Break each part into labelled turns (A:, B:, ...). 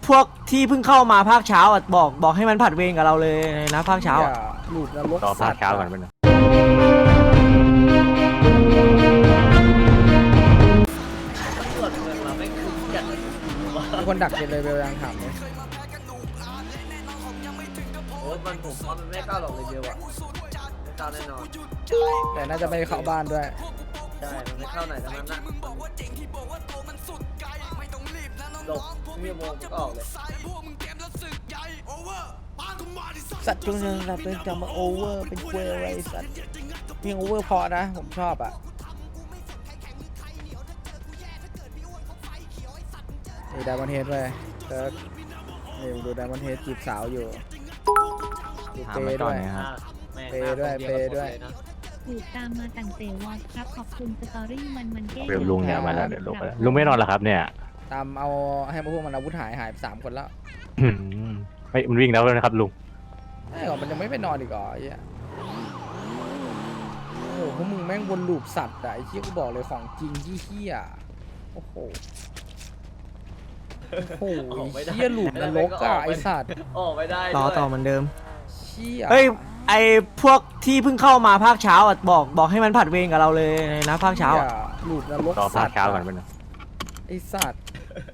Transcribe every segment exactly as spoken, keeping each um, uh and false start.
A: พวกที่เพิ่งเข้ามาภาคเช้าอ่ะบอกบอกให้มันผัดเวรกับเราเลยนะภาคเช้าอ่ะ
B: หลุดนรก
C: ต่อ
B: สั
C: ภา
B: ต
C: ค
B: ว์
C: เช้าก่อนไปหน่อย
D: ตำรวจเมืองเราไม่คุ้มกัน
B: มีคนดักเจนเลยเบลยังถามเลย
D: โอ้มันผมว่ามันไม่กล้าหรอกเลยเดียวอะไม่กล้าแน่นอน
B: แต่น่าจะไม่เข้าบ้านด้วย
D: ใช่มันไม่เข้าไหนทั้งนั้นนะหลบไม่โมงก็ออกเลย
B: สัตว์จงเริญรับเป็นจำมาโอเวอร์เป็นเวอร์อะไรสัตว์มีโอเวอร์พอนะผมชอบอ่ะนี่ไดมอนเฮดเลยเติร์กนี่ดูไดมอนเฮดจีบสาวอยู่ดู
C: ถาม
B: เป
C: ไป
B: ย์
C: ก่
B: ด้
C: อน
B: วย
C: นะครับ
D: แม่ง
B: เปย์ด้วย
D: หน้า
B: เปย์ด้วย
D: คนนะ
E: ถูกตามมาตั้งแต่วอดครับขอบคุณสตอรี่มันมันแก้
C: เดี๋ยวลุงเนี่ยมาแล้วเดี๋ยวลุงมาแล้วลุงไม่นอนเหรอครับเนี่ย
B: ตามเอาให้พวกมันอาวุธหายหายไปสามคนแล้ว
C: อืมไม่มันวิ่งแล้วนะครับลุง
B: ไอ้หรอมันยังไม่ไปนอนอีกเหรอไอ้เหี้ยโอ้โหพวกมึงแม่งวนลูปสัตว์อะไอ้เหี้ยกูบอกเลยของจริงที่เหี้ยโอ้โหโอ้โหไอ้เหี้ยลูปนรกอะไอ้สัตว์
D: ออกไม่ได้
A: ต่อ
D: ด้วย
A: ต่อเหมือนเดิม
B: เชี่ย
A: เฮ้ยไอพวกที่เพิ่งเข้ามาภาคเช้าอ่ะบอกบอกให้มันผัดเวรกับเราเลยนะภาคเช้าอ่ะ
B: ลูปนรก
C: ต่อ
B: สั
C: ภา
B: ต
C: ค
B: ว์
C: เช้าก่อนไปหน่อย
B: ไอ้สัตว์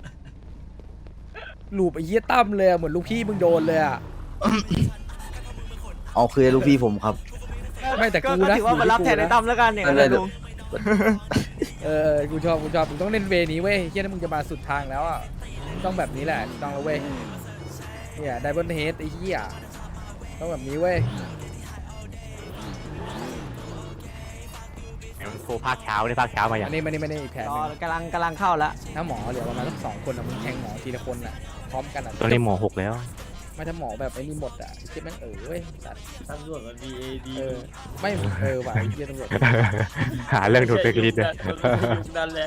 B: ลูปไอ้เหี้ยตั้มเลยอะเหมือนลูกพี่มึงโดนเลยอะ
F: เอาคือลูกพี่ผมครับ
B: ไม่แต่
A: ก็
B: กู
A: ก็
B: นะ
A: ถือว่ามันรับแทนไอ้ตั้มแล้วกันเนี่ย
F: ไม่ได้
A: ลุง
B: เออกูชอบกูชอบมึงต้องเล่นเวนี้เว้ยเหี้ยถ้ามึงจะมาสุดทางแล้วอะต้องแบบนี้แหละต้องแล้วเว้ยเนี่ยไดบอนเฮดไอ้เหี้ยต้องแบบนี้เว้ย
C: มันโทรภาคเช้าเนี่ยภาคเช้ามาอย่าง
B: อันนี้ไม่ได้ไม่ได้อีกแผน
A: ร
B: ห
A: อ
B: นึง
A: กำลังกำลังเข้าแล้ว
B: ถ้าหมอเหลือประมาณสักสองคนอะมึงแทงหมอทีละคนอะพร้อมกันอะ
C: ตัวนี้หมอหกแล้ว
B: ไม่ถ้าหมอแบบไอ้นี่หมดอะไอ้เจ๊แม่งเออเว้ยสัตว์
D: ตำรวจมัน B A D
B: เออไม่เออว่ะไอ้เหี้ยตำรวจ
C: หาเรื่องถูกเฟกลิสเลย
D: ดันแล้ว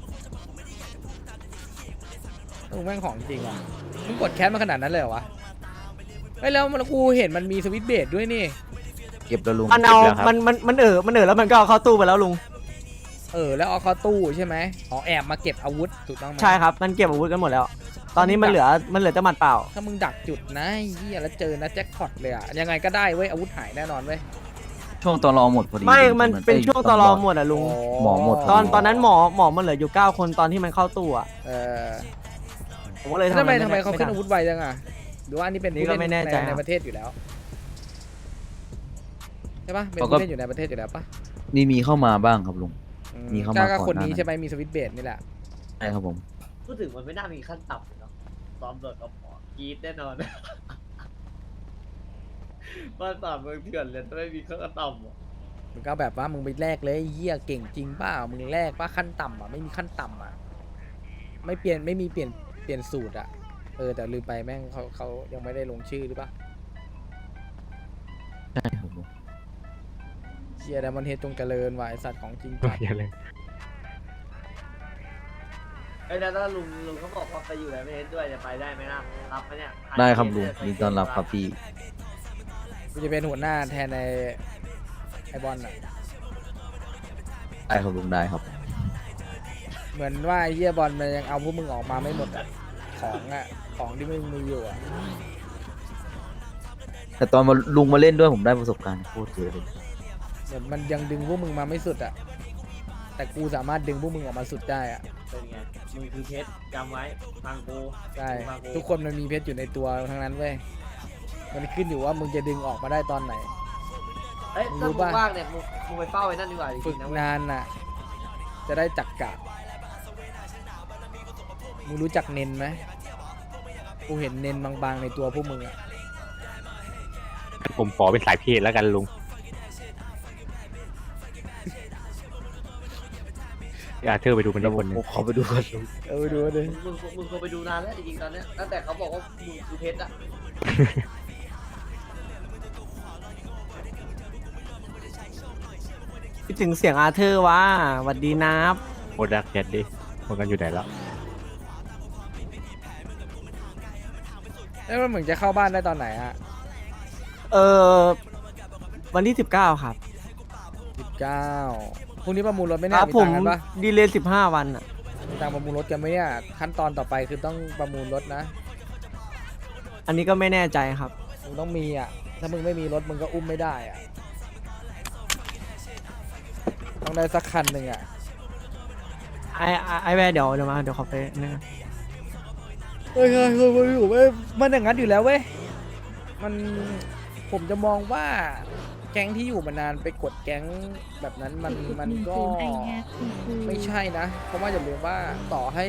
B: มึงแม่งของจริงว่ะมึงกดแคสมาขนาดนั้นเลยเหรอวะไอ้ยแล้วมันกูเห็นมันมีสวิตช์เบรดด้วยนี่
F: เก็บแล้วลุง
A: มันเอามันมันมันเออมันเออแล้วมันก็เอาเข้าตู้ไปแล้วลุง
B: เออแล้วเอาเข้าตู้ใช่ไหมอ๋อแอบมาเก็บอาวุธถูกต้องไหม
A: ใช่ครับมันเก็บอาวุธกันหมดแล้ว ตอนนี้มันเหลือมันเหลือแต่หมัดเปล่า
B: ถ้ามึงดักจุดนะไอ้เฮียแล้วเจอนะแจ็คพอตเลยอะยังไงก็ได้เว้ยอาวุธหายแน่นอนเว้ย
F: ช่วงตอนรอหมดพอดี
A: ไม่มันเป็น
F: อ้ย
A: ช่วงตอนรอหมดอ่ะลุง
F: หมอหมด
A: ตอนตอนนั้นหมอหมอมันเหลืออยู่เก้าคนตอนที่มันเข้าตู้อ่ะ
B: เออ
A: ผมก็เลย
B: ทำไม
A: อะร
B: ทำไมเขาขึ้น
A: ด้
B: อาวุธไวจังอะหรือว่าอันนี้เป็น
A: นี่ก็ไม่แน่ใจ
B: ใน
A: ครับ
B: ประเทศอยู่แล้วใช่ปะเป็นผู้เล่นอยู่ในประเทศอยู่แล้วปะ
F: นี่มีเข้ามาบ้างครับลุง
B: อื
F: มีเข้ามา
B: ก็ก็
F: ก่อน
B: คนนี้
F: หน้านั้น
B: ใช่ไหมมีสวิตช์เบรดนี่แหละ
F: ใช่ครับผม
D: พูดถึงมันไม่น่ามีขั้นต่ำเลยเนาะตำรวจกับหมอกรีดแน่นอนบ้านป่าเมืองเถื่อนเลยถ้าไม่มีขั้นต่ำอะ
B: มึงก็แบบว่ามึงไปแลกเลยไอ้เหี้ยเก่งจริงเปล่ามึงแลกป่ะขั้นต่ำอ่ะไม่มีขั้นต่ำอ่ะไม่เปลี่ยนไม่มีเปลี่ยนเปลี่ยนสูตรอ่ะเออแต่ลืมไปแม่งเขาเขายังไม่ได้ลงชื่อหรือเปล่า
F: ใช่ครับลุง
B: เชียร์ไดมอนเฮดจงเจริญว่ะไอสัตว์ของจริงจัด
C: อย่าเลย
D: ไอ้ยแล้วถ้าลุงลุงเขาบอกว่าไปอยู่แล้วไม่เห็นด้วยจะไปได้ไหมล่ะรับไหมเนี่ย
F: ได้ครับลุงยินดีต้อนรับครับพี่
B: กูจะเป็นหัวหน้าแทนในไอบอลอ่ะ
F: ได้ครับลุงได้ครับ
B: เหมือนว่าไอ้เฮียบอลมันยังเอาพวกมึงออกมาไม่หมดอ่ะของอ่ะของที่มึงมีอยู่อ่ะ
F: แต่ตอนมาลุงมาเล่นด้วยผมได้ประสบการณ์โคตรเยอะเลย
B: เหมือนมันยังดึงพวกมึงมาไม่สุดอ่ะแต่กูสามารถดึงพวกมึงออกมาสุดได้อ่ะ
D: เป็นไงมึงคือเพชรจำไว้ฟังกู
B: ใช่
D: ฟังกู
B: ทุกคนมันมีเพชรอยู่ในตัวทั้งนั้นเว้ยมันขึ้นอยู่ว่ามึงจะดึงออกมาได้ตอนไหน
D: เอ้ย
B: รู้
D: ถ้ามึง
B: ปะ
D: ว่างเนี่ยมึงมึงไปเฝ้าไว้นั่นดีกว่าจ
B: ฝึ
D: ริ
B: ก
D: งๆนะเว้ย
B: นานน่ะจะได้จักกะมึงรู้จักเน้นไหมกูเห็นเน้นบางๆในตัวพวกมึงอ่ะ
C: ผมขอเป็นสายเพศแล้วกันลุงอาเธอร์ไปดูมัน
F: แล้
C: ได้
F: วผ
C: คน
F: ม
C: หนึง
F: ขอไปดูกันลุง
B: เออไปดูดิ
D: มึงมึงมึงควรไปดูนานแล้วจริงๆตอนเนี้ยตั้งแต่เขาบอกว่ามึงคือเพชรอะ
A: คิดถึงเสียงอาเธอร์ว่าหวัดดีนับ
C: โอดักแคทดิมันกันอยู่ไหนแล้ว
B: แล้วมันเหมือนจะเข้าบ้านได้ตอนไหนอ่ะ
A: เออวันที่สิบเก้าครับ
B: สิบเก้าพรุ่งนี้ประมูลรถไหม่
A: ค
B: แน่
A: รับ
B: มี
A: ผ
B: ตั
A: ม
B: งค์กันปะ
A: ดีเลย์สิบห้าวันอ่ะ
B: มีตังค์ประมูลรถกันไหมเนี่ยขั้นตอนต่อไปคือต้องประมูลรถนะ
A: อันนี้ก็ไม่แน่ใจครับ
B: มึงต้องมีอ่ะ ถ้ามึงไม่มีรถมึงก็อุ้มไม่ได้อ่ะ ต้องได้สักคันหนึ่งอ่ะ
A: ไอไอ้ไอแวร์เดี๋ยวเดี๋ยวมาเดี๋ยวขอไปนี่นะ
B: เฮ้ยเฮ้ยเฮ้ยเฮ้ยเฮ้ยมันอย่างนั้นอยู่แล้วเว้ย มันผมจะมองว่าแก๊งที่อยู่มานานไปกดแก๊งแบบนั้นมันมันก็
E: ไอแฮปคูคู
B: ไม่ใช่นะ เพราะว่าอย่าลืมว่าต่อให้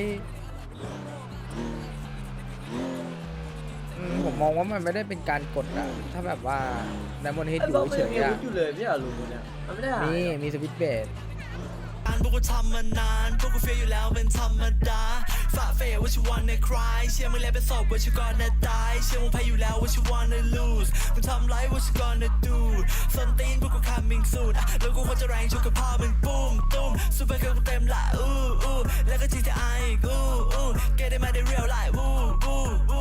B: อืมผมมองว่ามันไม่ได้เป็นการกดอะถ้าแบบว่าไดมอนด์เฮด
D: ไอ้
B: อยู่
D: บอสมัน
B: เฉ
D: ยัง
B: ย
D: มี
B: ๆ
D: อา
B: อะ
D: วุธอยู่เลยไม่ใช่เหรอลุงคนเนี่ยมันไม่ได้หาย
B: นี่
D: เหรอ
B: มีสวิตช์เบส
G: พวกกูทำมานานพวกกูเฟียอยู่แล้วเป็นธรรมดาฝ่าเฟยว่าชิวันในคลายเชื่อมึงแล้วเป็นศพว่าชิวก่อนนะตายเชื่อมึงแพ้อยู่แล้วว่าชิวันใน lose มึงทำไรว่าชิก่อนนะ do ส้นตีนพวกกู coming soon อ่ะแล้วกูควรจะแรงชุกกับพ่อมึงปุ้มตุ้มซูเปอร์เกิร์ลกูเต็มละอู้อู้แล้วก็ จี ที ไอ อีกอู้อู้ get it มาได้ real life อู้อู้อู้